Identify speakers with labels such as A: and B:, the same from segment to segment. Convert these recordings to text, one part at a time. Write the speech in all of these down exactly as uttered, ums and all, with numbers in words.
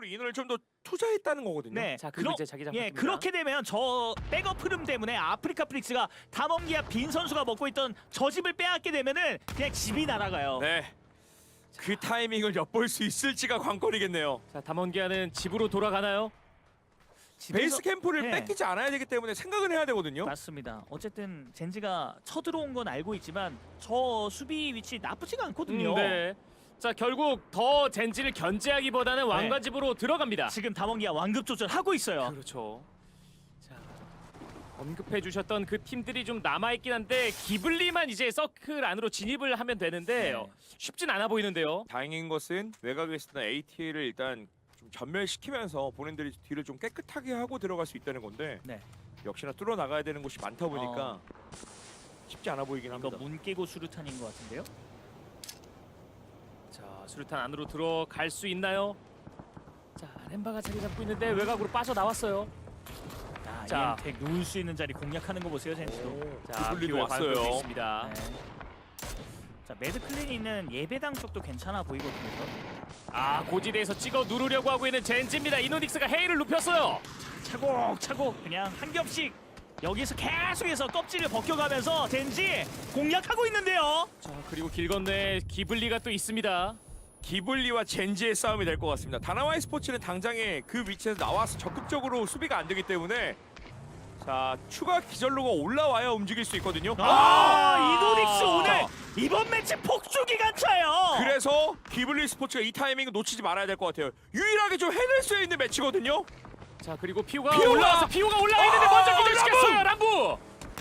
A: 쪽으로 인원을 좀 더 투자했다는 거거든요.
B: 네.
C: 자, 그리고 이제 자기장
B: 예,
C: 바뀝니다.
B: 그렇게 되면 저 백업 흐름 때문에 아프리카 프릭스가 담원기아 빈 선수가 먹고 있던 저 집을 빼앗게 되면은 그냥 집이 날아가요.
A: 네. 그 타이밍을 엿볼 수 있을지가 관건이겠네요.
C: 자, 담원기아는 집으로 돌아가나요?
B: 집에서-
A: 베이스 캠프를
B: 네.
A: 뺏기지 않아야 되기 때문에 생각을 해야 되거든요.
B: 맞습니다. 어쨌든 젠지가 쳐들어온 건 알고 있지만 저 수비 위치 나쁘지가 않거든요.
C: 음, 네. 자, 결국 더 젠지를 견제하기보다는 왕관집으로 들어갑니다.
B: 지금 담원기아 완급 조절하고 있어요.
C: 그렇죠. 자, 언급해 주셨던 그 팀들이 좀 남아 있긴 한데 기블리만 이제 서클 안으로 진입을 하면 되는데
B: 네.
C: 어, 쉽진 않아 보이는데요.
A: 다행인 것은 외곽에 있었던 에이티엘을 일단 좀 전멸시키면서 본인들이 뒤를 좀 깨끗하게 하고 들어갈 수 있다는 건데
B: 네.
A: 역시나 뚫어 나가야 되는 곳이 많다 보니까
B: 어.
A: 쉽지 않아 보이긴
B: 이거
A: 합니다.
B: 문 깨고 수류탄인 것 같은데요.
C: 자, 수류탄 안으로 들어갈 수 있나요? 자, 렘바가 자리 잡고 있는데 외곽으로 빠져 나왔어요.
B: 자,
C: 자.
B: 이엠텍 누울 수 있는 자리 공략하는 거 보세요, 젠지도.
C: 자,
A: 기블리도
C: 피오의
A: 왔어요.
C: 광역도 있습니다.
B: 네. 자, 매드클랜이 있는 예배당 쪽도 괜찮아 보이거든요.
C: 아, 고지대에서 찍어 누르려고 하고 있는 젠지입니다. 이노닉스가 헤이를 눕혔어요.
B: 차곡차곡 그냥 한 겹씩 여기서 계속해서 껍질을 벗겨가면서 젠지 공략하고 있는데요.
C: 자, 그리고 길 건너에 기블리가 또 있습니다.
A: 기블리와 젠지의 싸움이 될 것 같습니다. 다나와이 스포츠는 당장에 그 위치에서 나와서 적극적으로 수비가 안 되기 때문에 자 추가 기절로가 올라와야 움직일 수 있거든요.
B: 아, 이노닉스 오늘 이번 매치 폭주 기간차예요.
A: 그래서 기블리 스포츠가 이 타이밍을 놓치지 말아야 될 것 같아요. 유일하게 좀 해낼 수 있는 매치거든요.
C: 자, 그리고 피오가,
A: 피오가!
C: 올라와서 피오가 올라와 있는데
A: 아,
C: 먼저 기절시켰어요. 람부.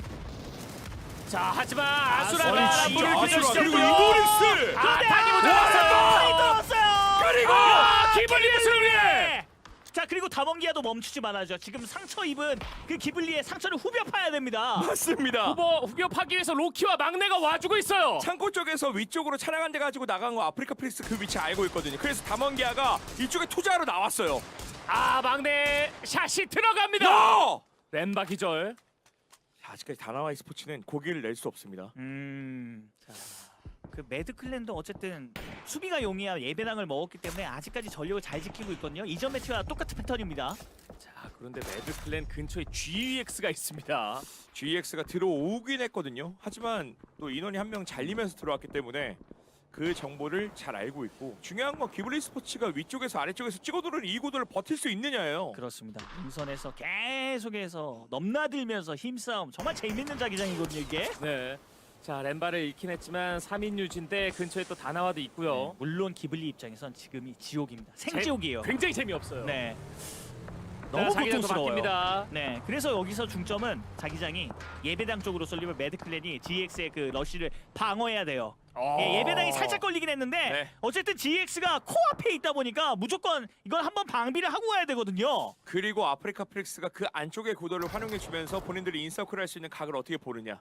C: 자, 하지만 아수라가
B: 아수라,
C: 람부를
B: 아수라,
C: 기절시켰고요.
A: 그리고 이노닉스!
C: 아,
B: 근데
C: 타기 못
B: 많이
C: 잡았어요.
B: 들어왔어요.
A: 그리고
C: 아, 기블리의 승리.
B: 자, 그리고 담원기아도 멈추지 말아야죠. 지금 상처 입은 그 기블리의 상처를 후벼 파야 됩니다.
A: 맞습니다.
C: 후보 후벼 파기 위해서 로키와 막내가 와주고 있어요.
A: 창고 쪽에서 위쪽으로 차량 한 대 가지고 나간 거 아프리카 프리스 그 위치 알고 있거든요. 그래서 담원기아가 이쪽에 투자하러 나왔어요.
C: 아, 막내 샷이 들어갑니다.
A: 야!
C: 렘바 기절.
A: 아직까지 다나와이 스포츠는 고기를 낼 수 없습니다.
B: 음. 자, 그 매드클랜도 어쨌든 수비가 용이야 예배당을 먹었기 때문에 아직까지 전력을 잘 지키고 있거든요. 이전 매치와 똑같은 패턴입니다.
C: 자, 그런데 매드클랜 근처에 지엑스가 있습니다.
A: 지엑스가 들어오긴 했거든요. 하지만 또 인원이 한 명 잘리면서 들어왔기 때문에 그 정보를 잘 알고 있고 중요한 건 기블리 스포츠가 위쪽에서 아래쪽에서 찍어두는 이 구도를 버틸 수 있느냐예요.
B: 그렇습니다. 임선에서 계속해서 넘나들면서 힘싸움 정말 재밌는 자기장이거든요 이게.
C: 네. 자, 렘바를 잃긴 했지만 삼 인 유지인데 근처에 또 다나와도 있고요.
B: 네, 물론 기블리 입장에선 지금이 지옥입니다. 생지옥이에요.
C: 굉장히 재미없어요.
B: 네.
C: 자,
B: 너무
C: 자기장도
B: 고통스러워요.
C: 바뀝니다.
B: 네, 그래서 여기서 중점은 자기장이 예배당 쪽으로 쏠리면 매드클랜이 지엑스의 그 러쉬를 방어해야 돼요.
C: 어.
B: 예, 예배당이 살짝 걸리긴 했는데
A: 네.
B: 어쨌든 지엑스가 코앞에 있다 보니까 무조건 이건 한번 방비를 하고 가야 되거든요.
A: 그리고 아프리카 프릭스가 그 안쪽의 구도를 활용해주면서 본인들이 인서클 할 수 있는 각을 어떻게 보느냐.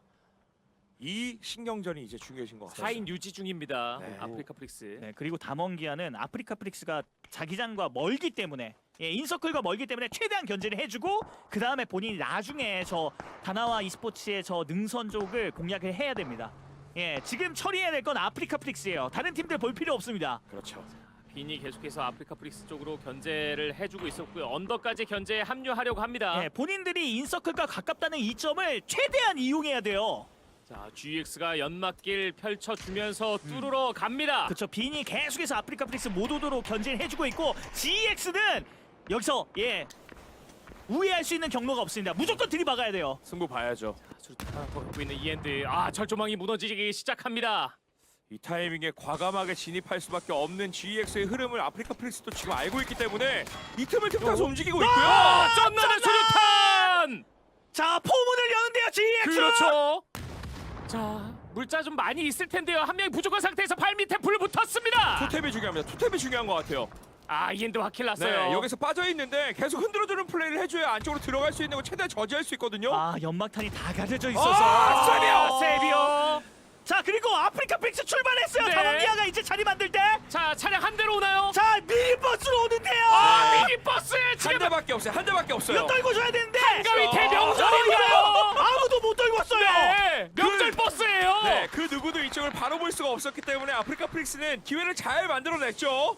A: 이 신경전이 이제 중요해진 것 같아요.
C: 사 인 유지 중입니다.
A: 네.
C: 아프리카 프릭스.
B: 네, 그리고 담원기아는 아프리카 프릭스가 자기장과 멀기 때문에 예, 인서클과 멀기 때문에 최대한 견제를 해주고 그 다음에 본인이 나중에 저 다나와 e스포츠의 저 능선 쪽을 공략을 해야 됩니다. 예, 지금 처리해야 될 건 아프리카 프릭스예요. 다른 팀들 볼 필요 없습니다.
A: 그렇죠.
C: 빈이 계속해서 아프리카 프릭스 쪽으로 견제를 해주고 있었고요. 언더까지 견제에 합류하려고 합니다.
B: 예, 본인들이 인서클과 가깝다는 이점을 최대한 이용해야 돼요.
C: 자, 지엑스가 연막길 펼쳐주면서 뚫으러 갑니다.
B: 그렇죠. 빈이 계속해서 아프리카 프릭스 못 오도록 견제를 해주고 있고 지엑스는 여기서 예 우회할 수 있는 경로가 없습니다. 무조건 들이박아야 돼요.
A: 승부 봐야죠.
C: 수류탄 하나 더 갖고 있는 이엔드. 아, 철조망이 무너지기 시작합니다.
A: 이 타이밍에 과감하게 진입할 수밖에 없는 지엑스의 흐름을 아프리카 프릭스도 지금 알고 있기 때문에 이 틈을 틈타서 움직이고 있고요.
C: 아, 쩐나는 수류탄!
B: 자, 포문을 여는데요, 지엑스.
C: 그렇죠. 자, 물자 좀 많이 있을 텐데요. 한 명이 부족한 상태에서 발 밑에 불 붙었습니다.
A: 투탭이 중요합니다. 투탭이 중요한 것 같아요.
C: 아, 이엔드 확킬 났어요.
A: 네, 여기서 빠져 있는데 계속 흔들어주는 플레이를 해줘야 안쪽으로 들어갈 수 있는 거 최대한 저지할 수 있거든요.
B: 아, 연막탄이 다 가려져 있어서.
A: 아, 세비오!
C: 세비오.
B: 자, 그리고 아프리카 프릭스 출발했어요.
C: 네.
B: 담원기아가 이제 자리 만들 때.
C: 자, 차량 한 대로 오나요?
B: 자, 미니버스로 오는데요.
C: 아,
A: 네.
C: 미니버스 지금
A: 한 대밖에 없어요. 한 대밖에 없어요.
B: 이거 떨고 줘야 되는데.
C: 한가위 대명절인가요?
B: 아무도 못 떨고 왔어요.
C: 네, 명절
A: 그-
C: 버스예요.
A: 네, 그 누구도 이쪽을 바로 볼 수가 없었기 때문에 아프리카 프릭스는 기회를 잘 만들어냈죠.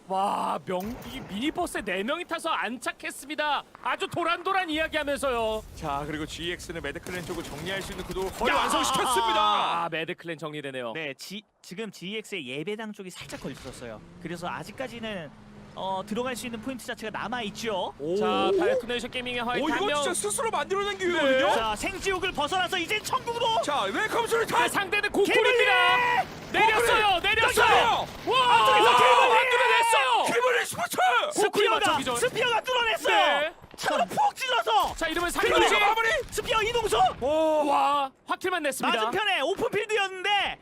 C: 와, 명, 이 미니버스에 네 명이 타서 안착했습니다. 아주 도란도란 이야기하면서요.
A: 자 그리고 지이엑스는 매드클랜 쪽을 정리할 수 있는 구도를 거의
B: 야!
A: 완성시켰습니다.
C: 아, 매드클랜 정리되네요.
B: 네, 지, 지금 지이엑스의 예배당 쪽이 살짝 걸렸었어요. 그래서 아직까지는 어, 들어갈 수 있는 포인트 자체가 남아 있죠.
C: 자, 다이어트네이션 게이밍의
A: 오
C: 화이트 한
A: 이거
C: 명.
A: 진짜 스스로 만들어낸 기회거든요.
B: 자, 생지옥을 벗어나서 이제 천국으로.
A: 자 웰컴 소리
C: 그
A: 타.
C: 상대는 고쿠르입니다. 내렸어요, 내렸어요. 와,
B: 앞쪽에서
C: 와,
B: 기블리!
C: 만들어냈어요.
A: 기블리 스포츠.
C: 고쿠르 맞죠,
B: 스피어가
C: 기절?
B: 스피어가 뚫어냈어요.
C: 네.
B: 차로 푹 찔러서.
C: 자, 이러면
B: 그리고
C: 상대지.
A: 마무리.
B: 스피어 이동수.
A: 오.
C: 와, 확킬만 냈습니다.
B: 맞은편에 오픈필드였는데.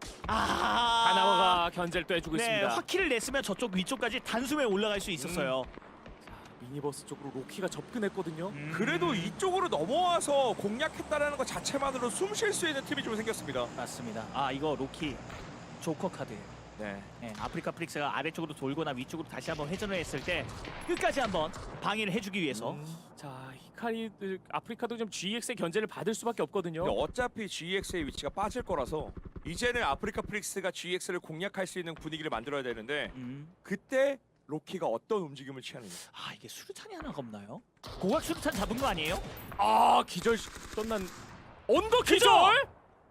B: 아.
C: 다나와가 견제를 또 해주고
B: 네,
C: 있습니다.
B: 화키를 냈으면 저쪽 위쪽까지 단숨에 올라갈 수 있었어요.
C: 미니버스 쪽으로 로키가 접근했거든요.
B: 음.
A: 그래도 이쪽으로 넘어와서 공략했다라는 것 자체만으로 숨 쉴 수 있는 팀이 좀 생겼습니다.
B: 맞습니다. 아, 이거 로키 조커 카드예요.
A: 네.
B: 네, 아프리카 프릭스가 아래쪽으로 돌거나 위쪽으로 다시 한번 회전을 했을 때 끝까지 한번 방해를 해주기 위해서.
C: 음, 자, 히카리 아프리카도 좀 지이엑스의 견제를 받을 수밖에 없거든요.
A: 근데 어차피 지이엑스의 위치가 빠질 거라서 이제는 아프리카 프릭스가 지이엑스를 공략할 수 있는 분위기를 만들어야 되는데
B: 음.
A: 그때 로키가 어떤 움직임을 취하는지.
B: 아, 이게 수류탄이 하나가 없나요? 고각 수류탄 잡은 거 아니에요?
C: 아, 기절 떴난 언더 기절.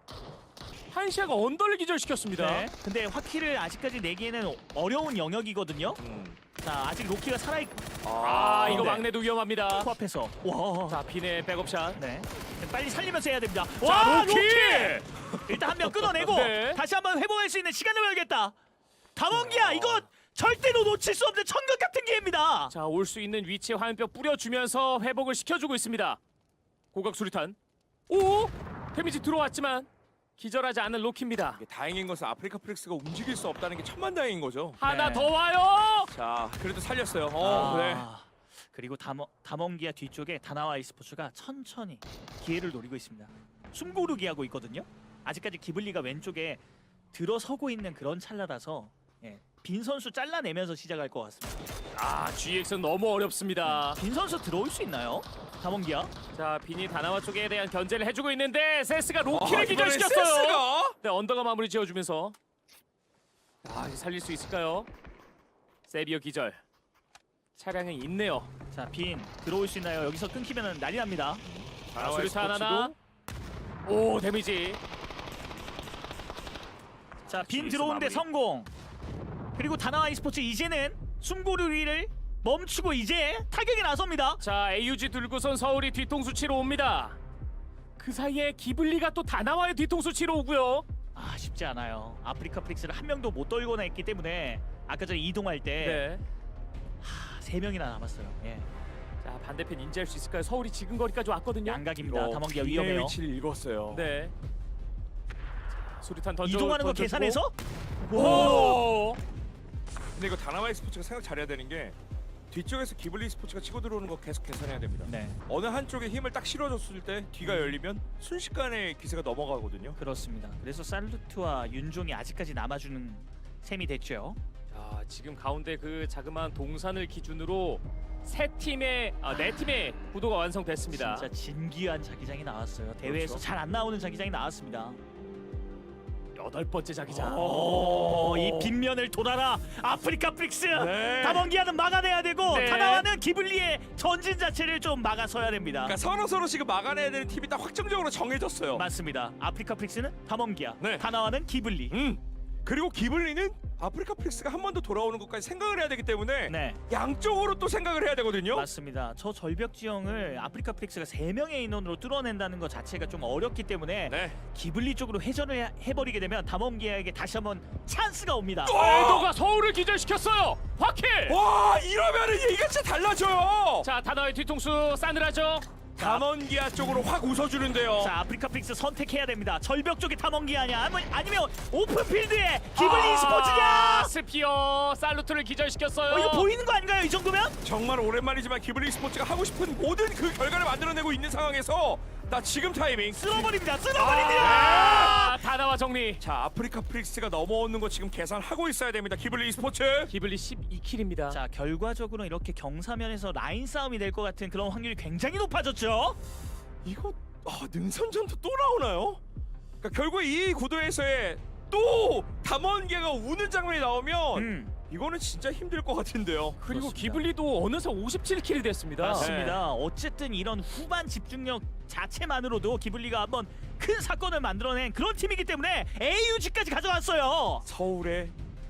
C: 한시아가 언더를 기절시켰습니다.
B: 네. 근데 화키를 아직까지 내기에는 어려운 영역이거든요.
A: 음.
B: 자, 아직 로키가 살아있고
C: 아, 이거
B: 네.
C: 막내도 위험합니다.
B: 코앞에서. 와.
C: 자, 빈의 백업샷.
B: 네. 빨리 살리면서 해야 됩니다.
C: 자,
B: 와,
C: 로키!
B: 일단 한 명 끊어내고
C: 네.
B: 다시 한번 회복할 수 있는 시간을 벌겠다. 담원기야, 이거 절대로 놓칠 수 없는 천국 같은 기회입니다.
C: 자, 올 수 있는 위치에 화염병 뿌려주면서 회복을 시켜주고 있습니다. 고각 수리탄. 오! 데미지 들어왔지만 기절하지 않은 로키입니다.
A: 이게 다행인 것은 아프리카 프릭스가 움직일 수 없다는 게 천만다행인 거죠.
C: 하나
B: 네.
C: 더 와요.
A: 자 그래도 살렸어요. 어,
B: 아,
A: 네.
B: 그리고 담원, 담원기아 뒤쪽에 다나와 e스포츠가 천천히 기회를 노리고 있습니다. 숨고르기 하고 있거든요. 아직까지 기블리가 왼쪽에 들어서고 있는 그런 찰나라서 예, 빈 선수 잘라내면서 시작할 것 같습니다.
C: 아, 지이엑스는 너무 어렵습니다.
B: 빈 선수 들어올 수 있나요? 담원기아?
C: 자, 빈이 다나와 쪽에 대한 견제를 해주고 있는데 세스가 로키를
A: 아, 이번엔
C: 기절시켰어요.
A: 센스가?
C: 네, 언더가 마무리 지어주면서 아, 이제 살릴 수 있을까요? 세비어 기절. 차량이 있네요.
B: 자, 빈 들어올 수 있나요? 여기서 끊기면 난리 납니다.
C: 자, 수류탄 하나. 오, 데미지.
B: 자, 빈
C: 지이엑스
B: 들어오는데
C: 마무리.
B: 성공. 그리고 다나와 e스포츠 이제는 숨고르기를 멈추고 이제 타격에 나섭니다.
C: 자, 에이유지 들고선 서울이 뒤통수 치러 옵니다. 그 사이에 기블리가 또 다나와의 뒤통수 치러 오고요.
B: 아, 쉽지 않아요. 아프리카 프릭스를 한 명도 못 떨거나 했기 때문에 아까 전에 이동할 때
C: 네.
B: 세 명이나 남았어요. 예.
C: 자, 반대편 인지할 수 있을까요? 서울이 지금 거리까지 왔거든요.
B: 양각입니다.
A: 이거
B: 담원기아
A: 빈의
B: 위험해요.
A: 위치를 읽었어요.
C: 네. 자, 수류탄 던져.
B: 이동하는 거
C: 던져주고.
B: 계산해서?
C: 오!
A: 근데 이거 다나와 스포츠가 생각 잘해야 되는 게 뒤쪽에서 기블리 스포츠가 치고 들어오는 거 계속 계산해야 됩니다.
B: 네,
A: 어느 한쪽에 힘을 딱 실어줬을 때 뒤가 열리면 순식간에 기세가 넘어가거든요.
B: 그렇습니다. 그래서 살루트와 윤종이 아직까지 남아주는 셈이 됐죠.
C: 자, 지금 가운데 그 자그마한 동산을 기준으로 세 팀의 아, 네 팀의 구도가 완성됐습니다.
B: 진짜 진기한 자기장이 나왔어요. 대회에서
A: 그렇죠.
B: 잘 안 나오는 자기장이 나왔습니다.
C: 여덟 번째 자기장.
B: 오, 이 빈면을 돌아라 아프리카 프릭스.
A: 네.
B: 담원기아는 막아내야 되고
C: 네.
B: 다나와는 기블리의 전진 자체를 좀 막아서야 됩니다.
A: 그러니까 서로 서로 지금 막아내야 되는 팀이 딱 확정적으로 정해졌어요.
B: 맞습니다. 아프리카 프릭스는 담원기아,
A: 네.
B: 다나와는 기블리.
A: 음. 그리고 기블리는 아프리카 프릭스가 한 번 더 돌아오는 것까지 생각을 해야 되기 때문에
B: 네,
A: 양쪽으로 또 생각을 해야 되거든요.
B: 맞습니다. 저 절벽 지형을 아프리카 프릭스가 세 명의 인원으로 뚫어낸다는 것 자체가 좀 어렵기 때문에
A: 네.
B: 기블리 쪽으로 회전을 해- 해버리게 되면 담원기아에게 다시 한번 찬스가 옵니다.
C: 엘도가 서울을 기절시켰어요. 화킬.
A: 와 이러면은 얘기가 진짜 달라져요.
C: 자, 다나와의 뒤통수 싸늘하죠.
A: 담원기아 쪽으로 확 웃어주는데요.
B: 자, 아프리카 프릭스 선택해야 됩니다. 절벽 쪽에 담원기아냐 아니면, 아니면 오픈필드에 기블리
C: 아,
B: 스포츠냐?
C: 스피어 살루트를 기절시켰어요.
B: 어, 이거 보이는 거 아닌가요? 이 정도면?
A: 정말 오랜만이지만 기블리 스포츠가 하고 싶은 모든 그 결과를 만들어내고 있는 상황에서 나 지금 타이밍.
B: 쓸어버립니다. 쓸어버립니다.
C: 아, 다나와 정리.
A: 자 아프리카 프릭스가 넘어오는 거 지금 계산하고 있어야 됩니다. 기블리 스포츠.
C: 기블리 십이 킬입니다.
B: 자, 결과적으로 이렇게 경사면에서 라인 싸움이 될 것 같은 그런 확률이 굉장히 높아졌죠.
A: 이거 아, 능선전도 또 나오나요? 그러니까 결국 이 구도에서의 또 담원기아가 우는 장면이 나오면
B: 음.
A: 이거는 진짜 힘들 것 같은데요.
C: 그리고
B: 그렇습니다.
C: 기블리도 어느새 오십칠 킬이 됐습니다.
B: 맞습니다. 어쨌든 이런 후반 집중력 자체만으로도 기블리가 한번 큰 사건을 만들어낸 그런 팀이기 때문에 에이유지까지 가져왔어요.
A: 서울에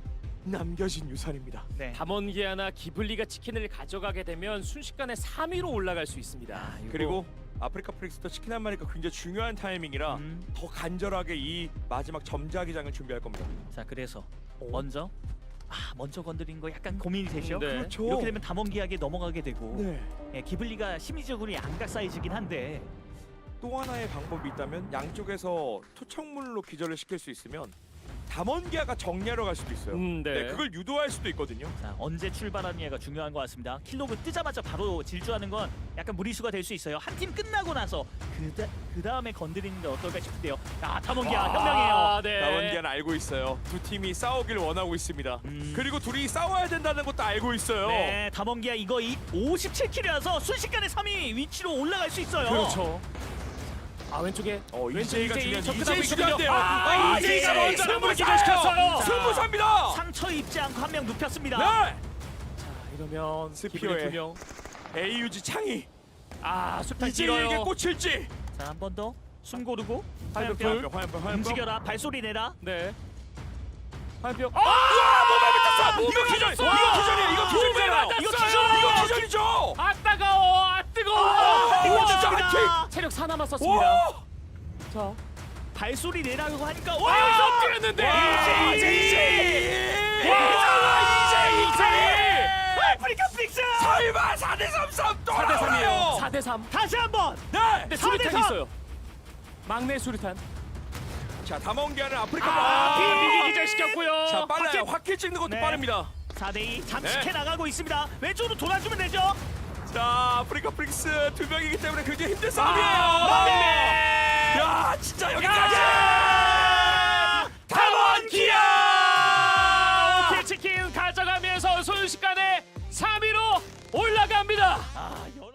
A: 남겨진 유산입니다.
B: 네.
C: 담원기아나 기블리가 치킨을 가져가게 되면 순식간에 삼 위로 올라갈 수 있습니다.
A: 그리고 아프리카 프릭스도 치킨 한 마리가 굉장히 중요한 타이밍이라
B: 음.
A: 더 간절하게 이 마지막 점자기장을 준비할 겁니다.
B: 자 그래서 먼저 아 먼저 건드린 거 약간 고민이 되죠.
C: 네.
A: 그렇죠.
B: 이렇게 되면 담원기하게 넘어가게 되고
A: 네.
B: 예, 기블리가 심리적으로 양각 사이즈긴 한데
A: 또 하나의 방법이 있다면 양쪽에서 토착물로 기절을 시킬 수 있으면 담원기아가 정리하러 갈 수도 있어요.
C: 음, 네.
A: 네, 그걸 유도할 수도 있거든요.
B: 자 언제 출발하느냐가 중요한 것 같습니다. 킬로그 뜨자마자 바로 질주하는 건 약간 무리수가 될 수 있어요. 한 팀 끝나고 나서 그다, 그 다음에 건드리는 게 어떨까 싶은데요. 아 담원기아 현명해요.
C: 아, 네.
A: 담원기아는 알고 있어요. 두 팀이 싸우길 원하고 있습니다.
B: 음.
A: 그리고 둘이 싸워야 된다는 것도 알고 있어요.
B: 네, 담원기아 이거 이 오십칠 킬이라서 순식간에 삼 위 위치로 올라갈 수 있어요.
C: 그렇죠. 아 왼쪽에
A: 어,
C: 왼쪽
A: 이제이가
C: 이제이
A: 중요한
C: 접근하고
A: 이제이 중요한데요.
C: 있거든요. 아,
A: 아,
C: 이제이가
A: 이제이
C: 먼저 한번
A: 승부사예요.
C: 기절시켰어요.
B: 자.
A: 승부사입니다.
B: 상처 입지 않고 한 명 눕혔습니다.
A: 네.
C: 자 이러면
A: 스피어의
C: 기블리 두 명.
A: 에이유지 창이
C: 아 수탄
A: 이제이에게
C: 길어요.
A: 꽂힐지.
B: 자, 한 번 더. 숨 고르고
C: 화염병.
B: 화염병
A: 화염병, 화염병.
B: 움직여라. 발소리 내라.
C: 네. 화염병.
A: 아, 몸에 붙었어.
C: 몸에
A: 이거 기절.
C: 맞았어.
A: 이거 기절이야. 이거 기절이잖아요.
C: 몸에
A: 이거
C: 맞았어요.
A: 기절. 이거 기절이죠.
C: 아 따가워. 아 뜨거워.
A: 아, 이거
C: 우와.
A: 진짜
B: 맞습니다.
C: 체력 사 남았었습니다.
A: 와.
C: 자.
B: 발소리 내라고 하니까
C: 와
B: 와!
C: 여기서 엎드렸는데.
A: 와,
C: 이제이.
A: 이제이.
C: 와, 이제이.
B: 아프리카 픽스!
A: 설마 사 대 삼 싸움 또
C: 사 대 삼이에요.
A: 나오나요?
C: 사 대 삼.
B: 다시 한번.
A: 네.
C: 근데
B: 사 대
C: 수류탄이
B: 삼.
C: 있어요. 막내 수류탄.
A: 자, 담원기아는 아프리카.
C: 아,
A: 아,
C: 비비기 기절시켰고요.
A: 자, 빨라요. 확킬 찍는 것도
B: 네.
A: 빠릅니다.
B: 사 대 이 잠식해
A: 네.
B: 나가고 있습니다. 왼쪽으로 돌아주면 되죠.
A: 자, 아프리카 프릭스 두 명이기 때문에 굉장히 힘든 싸움이에요.
B: 막내!
A: 야, 진짜 여기까지.
C: 담원기아! 오케이 치킨 가져가면서 순식간에 삼 위로 올라갑니다.
B: 아,